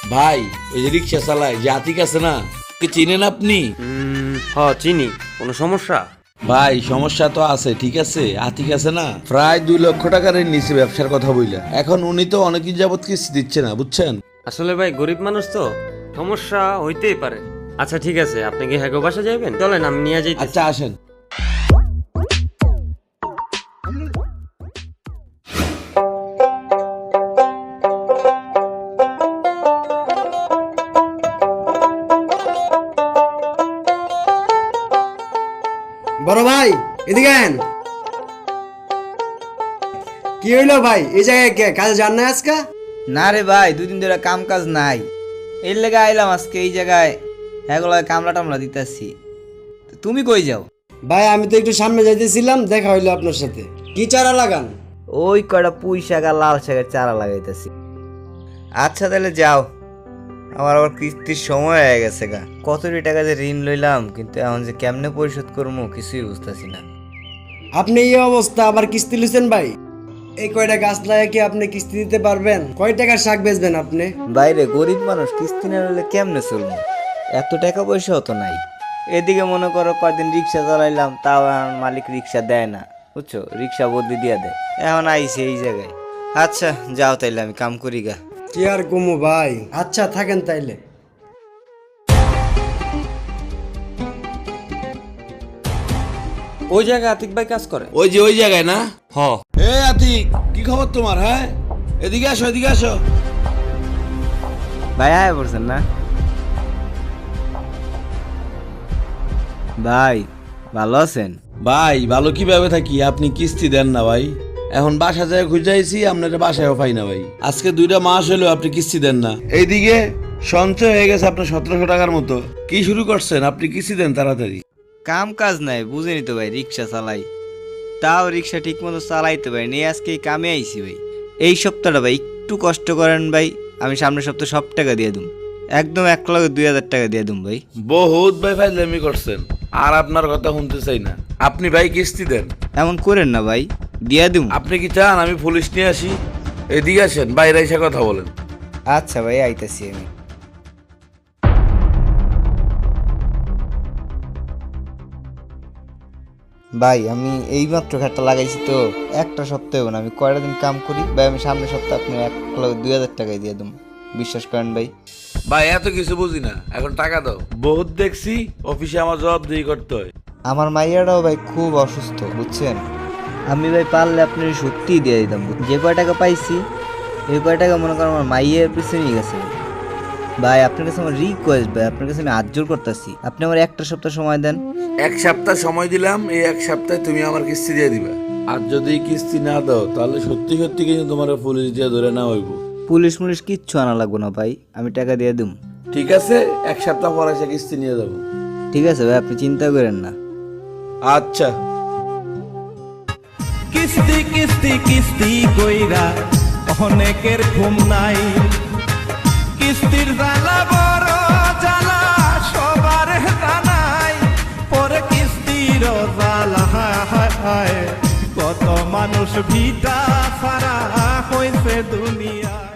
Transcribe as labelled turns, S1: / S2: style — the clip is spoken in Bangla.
S1: ভাই ওই যে রিক্সা চালায় যে আতিক আছে না, কি চিনেন আপনি?
S2: চিনি। কোনো সমস্যা?
S1: ভাই সমস্যা তো আছে, ঠিক আছে। আতিক আছে না, প্রায় 2 লক্ষ টাকার ঋণ নিছে ব্যবসার কথা বইলা। এখন উনি তো অনেকদিন যাবত কিস্তি দিচ্ছে না, বুঝছেন?
S2: আসলে ভাই গরিব মানুষ তো, সমস্যা হইতেই পারে। আচ্ছা ঠিক আছে, আপনি কি হ্যাগো বাসা যাইবেন? চলেন আমি নিয়ে যাই।
S1: আচ্ছা আসেন।
S3: বড় ভাই এদিকে আন। কি হইলো ভাই, এই জায়গায় কে কাজে যান না আজকে?
S4: না রে ভাই, 2 দিন ধরে কাম কাজ নাই, এর লেগে আইলাম আজকে এই জায়গায়। এগুলো কামলা টামলা দিতেছি। তুমি কই যাও?
S3: ভাই আমি তো একটু সামনে যাইতেছিলাম, দেখা হইলো আপনার সাথে। কি চারা লাগান?
S4: ওই কয়টা পুঁই শাক আর লাল শাকের চারা লাগাইতেছি। আচ্ছা তাহলে যাও, আমার আবার কিস্তির সময় হয়ে গেছে গা। কতটি টাকা যে ঋণ লইলাম, কিন্তু এখন যে কেমনে পরিশোধ করবো কিছুই বুঝতেছি না।
S3: আপনি এই অবস্থা আবার কিস্তি লিছেন ভাই? এই কয়টা গাছ লাগিয়ে কি আপনি কিস্তি দিতে পারবেন? কয় টাকার শাক বেচবেন আপনি?
S4: বাইরে গরিব মানুষ, কিস্তি না নিলে কেমনে চলবো? এত টাকা পয়সাও তো নাই। এদিকে মনে করো কয়দিন রিক্সা চালাইলাম, তাও এখন মালিক রিক্সা দেয় না, বুঝছো? রিক্সা বদলি দিয়ে দেয়। এখন আইছে এই জায়গায়। আচ্ছা যাও তাইলে, আমি কাম করি গা।
S3: কি আর কমু ভাই। আচ্ছা থাকেন তাইলে।
S2: ওই জায়গায় আতিক ভাই কাজ করে।
S1: ওই যে ওই জায়গায় না?
S2: হ।
S1: এ আতিক, কি খবর তোমার? হ্যাঁ এদিকে আসো, এদিকে আসো।
S4: ভাই আয় পড়ছেন না? ভাই ভালো আছেন?
S1: ভাই ভালো কিভাবে থাকি, আপনি কিস্তি দেন না ভাই। এখন বাসা যায় খুঁজাইছি, আপনার বাসায়ও পাই না ভাই। আজকে 2টা মাস হলো আপনি কিস্তি দেন না। এইদিকে সঞ্চয় হয়ে গেছে আপনার 1700 টাকার মতো। কি শুরু করছেন? আপনি কিস্তি দেন তাড়াতাড়ি।
S4: কাম কাজ নাই, বুঝেনি তো ভাই, রিক্সা চালাই। তাও রিক্সা ঠিক মতো চালাইতে পারি নি। আজকে এই কামে আইছি ভাই। এই সপ্তাহটা ভাই একটু কষ্ট করেন ভাই, আমি সামনের সপ্তাহে সব টাকা দিয়ে দুম। একদম 1,02,000 টাকা দিয়ে দুম ভাই।
S1: বহুত ভাই ফাইজলামি করছেন, আর আপনার কথা শুনতে চাই না। আপনি ভাই কিস্তি দেন।
S4: এমন করেন না ভাই, দিয়া দুম।
S1: আপনি কি চান আমি পুলিশ নিয়ে আসি? এদিকে আসেন, বাইরে এসে কথা বলেন।
S4: আচ্ছা ভাই আইতাছি আমি। ভাই আমি এইমাত্র খাটটা লাগাইছি তো, একটা সপ্তাহ না, আমি কয়টা দিন কাম করি ভাই। আমি সামনের সপ্তাহে আপনি 1,02,000 টাকায় দিয়ে দুম, বিশ্বাস করেন ভাই।
S1: ভাই এত কিছু বুঝি না, এখন টাকা দাও। বহুত দেখছি অফিসে আমার জবাবদিহি করতে হয়।
S4: আমার মাইয়াটাও ভাই খুব অসুস্থ, বুঝছেন? আমি ভাই পারলে আপনি সত্যিই দিয়ে দিতাম। যে কয় টাকা পাইছি এই কয় টাকা মনে করেন আমার মাইয়ের পিছনেই গেছে ভাই। ভাই আপনার কাছে আমার রিকোয়েস্ট ভাই, আপনার কাছে আমি হাত জোর করতেছি, আপনি আমার একটা সপ্তাহ সময় দেন।
S1: 1 সপ্তাহ সময় দিলাম, এই 1 সপ্তাহে তুমি আমার কিস্তি দিয়ে দিবা। আর যদি কিস্তি না দাও তাহলে সত্যি সত্যি কিন্তু তোমার পুলিশ দিয়ে ধরে না হইব।
S4: পুলিশ মুলিশ কিচ্ছু আনা লাগবো না ভাই, আমি টাকা দিয়ে দিম।
S1: ঠিক আছে, 1 সপ্তাহ পর এসে কিস্তি নিয়ে যাবো।
S4: ঠিক আছে ভাই, আপনি চিন্তা করেন না।
S1: আচ্ছা।
S5: কিস্তি কিস্তি কিস্তি কইরা অনেকের ঘুম নাই। কিস্তির জ্বালা বড় জ্বালা সবার জানাই, পরে কিস্তির জ্বালা হায় কত মানুষ ভিটা ছাড়া হইছে দুনিয়া।